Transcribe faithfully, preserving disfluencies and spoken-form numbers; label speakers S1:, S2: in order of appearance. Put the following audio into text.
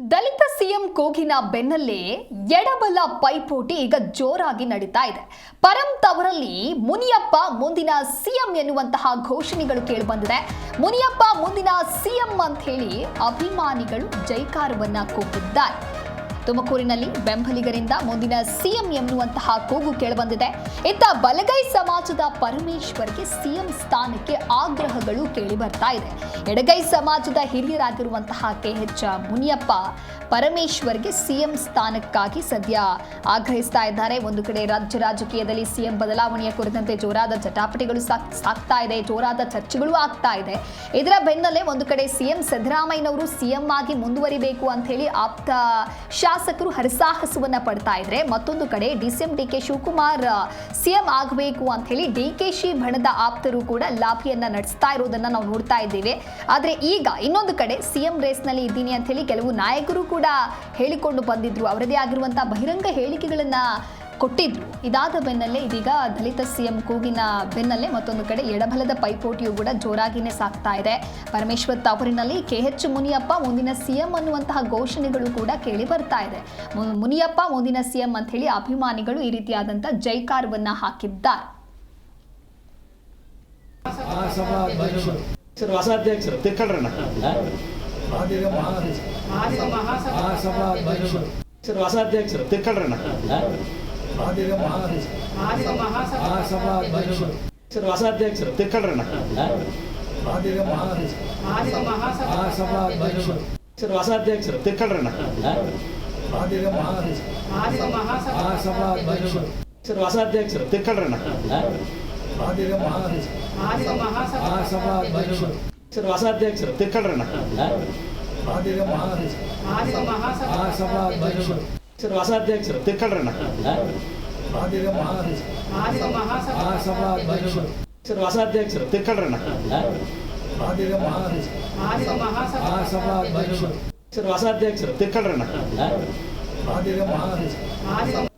S1: ದಲಿತ CM ಕೂಗಿನ ಬೆನ್ನಲ್ಲೇ ಎಡಬಲ ಪೈಪೋಟಿ ಈಗ ಜೋರಾಗಿ ನಡೀತಾ ಇದೆ. ಪರಂ ತವರಲ್ಲಿ ಮುನಿಯಪ್ಪ ಮುಂದಿನ ಸಿಎಂ ಎನ್ನುವಂತಹ ಘೋಷಣೆಗಳು ಕೇಳಿಬಂದಿದೆ. ಮುನಿಯಪ್ಪ ಮುಂದಿನ ಸಿಎಂ ಅಂತ ಹೇಳಿ ಅಭಿಮಾನಿಗಳು ಜೈಕಾರವನ್ನ ಕೂಗಿದ್ದಾರೆ. ತುಮಕೂರಿನಲ್ಲಿ ಬೆಂಬಲಿಗರಿಂದ ಮುಂದಿನ ಸಿಎಂ ಎನ್ನುವಂತಹ ಕೂಗು ಕೇಳಿಬಂದಿದೆ. ಇತ್ತ ಬಲಗೈ ಸಮಾಜದ ಪರಮೇಶ್ವರ್ಗೆ ಸಿಎಂ ಸ್ಥಾನಕ್ಕೆ ಆಗ್ರಹಗಳು ಕೇಳಿ ಬರ್ತಾ ಇದೆ. ಎಡಗೈ ಸಮಾಜದ ಹಿರಿಯರಾಗಿರುವಂತಹ ಕೆ ಎಚ್ ಮುನಿಯಪ್ಪ ಪರಮೇಶ್ವರ್ಗೆ ಸಿಎಂ ಸ್ಥಾನಕ್ಕಾಗಿ ಸದ್ಯ ಆಗ್ರಹಿಸ್ತಾ ಇದ್ದಾರೆ. ಒಂದು ಕಡೆ ರಾಜ್ಯ ರಾಜಕೀಯದಲ್ಲಿ ಸಿಎಂ ಬದಲಾವಣೆಯ ಕುರಿತಂತೆ ಜೋರಾದ ಜಟಾಪಟಿಗಳು ಸಾಕ್ತಾ ಇದೆ, ಜೋರಾದ ಚರ್ಚೆಗಳು ಆಗ್ತಾ ಇದೆ. ಇದರ ಬೆನ್ನಲ್ಲೇ ಒಂದು ಕಡೆ ಸಿಎಂ ಸಿದ್ದರಾಮಯ್ಯನವರು ಸಿಎಂ ಆಗಿ ಮುಂದುವರಿಬೇಕು ಅಂತ ಹೇಳಿ ಆಪ್ತ ಶಾಸಕರು ಹರಸಾಹಸವನ್ನ ಪಡ್ತಾ ಇದ್ರೆ, ಮತ್ತೊಂದು ಕಡೆ DCM D K Shivakumar CM ಆಗಬೇಕು ಅಂತ ಹೇಳಿ ಡಿ ಕೆ ಶಿ ಬಣದ ಆಪ್ತರು ಕೂಡ ಲಾಭಿಯನ್ನ ನಡೆಸ್ತಾ ಇರೋದನ್ನ ನಾವು ನೋಡ್ತಾ ಇದ್ದೇವೆ. ಆದ್ರೆ ಈಗ ಇನ್ನೊಂದು ಕಡೆ ಸಿಎಂ ರೇಸ್ ನಲ್ಲಿ ಇದ್ದೀನಿ ಅಂತ ಹೇಳಿ ಕೆಲವು ನಾಯಕರು ಕೂಡ ಹೇಳಿಕೊಂಡು ಬಂದಿದ್ರು, ಅವರದೇ ಆಗಿರುವಂತಹ ಬಹಿರಂಗ ಹೇಳಿಕೆಗಳನ್ನ ಕೊಟ್ಟಿದ್ರು. ಇದಾದ ಬೆನ್ನಲ್ಲೇ ಇದೀಗ ದಲಿತ ಸಿಎಂ ಕೂಗಿನ ಬೆನ್ನಲ್ಲೇ ಮತ್ತೊಂದು ಕಡೆ ಎಡಬಲದ ಪೈಪೋಟಿಯು ಕೂಡ ಜೋರಾಗಿನೇ ಸಾಗ್ತಾ ಇದೆ. ಪರಮೇಶ್ವರ್ ತವರಿನಲ್ಲಿ ಕೆ ಎಚ್ ಮುನಿಯಪ್ಪ ಮುಂದಿನ ಸಿಎಂ ಅನ್ನುವಂತಹ ಘೋಷಣೆಗಳು ಕೂಡ ಕೇಳಿ ಬರ್ತಾ ಇದೆ. ಮುನಿಯಪ್ಪ ಮುಂದಿನ ಸಿಎಂ ಅಂತ ಹೇಳಿ ಅಭಿಮಾನಿಗಳು ಈ ರೀತಿಯಾದಂತಹ ಜೈಕಾರವನ್ನ ಹಾಕಿದ್ದಾರೆ.
S2: ಅಸಾಧ್ಯಕ್ಷರು ತಿಕ್ಕಳ್ರಣ್ಣ ಅಸಾಧ್ಯಕ್ಷರು ತಿಕ್ಕಳ್ರಣ್ಣ ಅಸಾಧ್ಯಕ್ಷರು ತಿಕ್ಕಳ್ರಣ್ಣ ಅಸಾಧ್ಯಕ್ಷರು ತಿಕ್ಕಳ್ರಣ್ಣ ಅಸಾಧ್ಯಕ್ಷರು ತಿಕ್ಕಳ್ರಣ್ಣ ಅಸಾಧ್ಯಕ್ಷರು ತಿಕ್ಕಳ್ರಣ್ಣ ಅಸಾಧ್ಯಕ್ಷರು ತಿಕ್ಕಳ್ರಣ್ಣ ಅಸಾಧ್ಯಕ್ಷರು ತಿಕ್ಕಳ್ರಣ್ಣ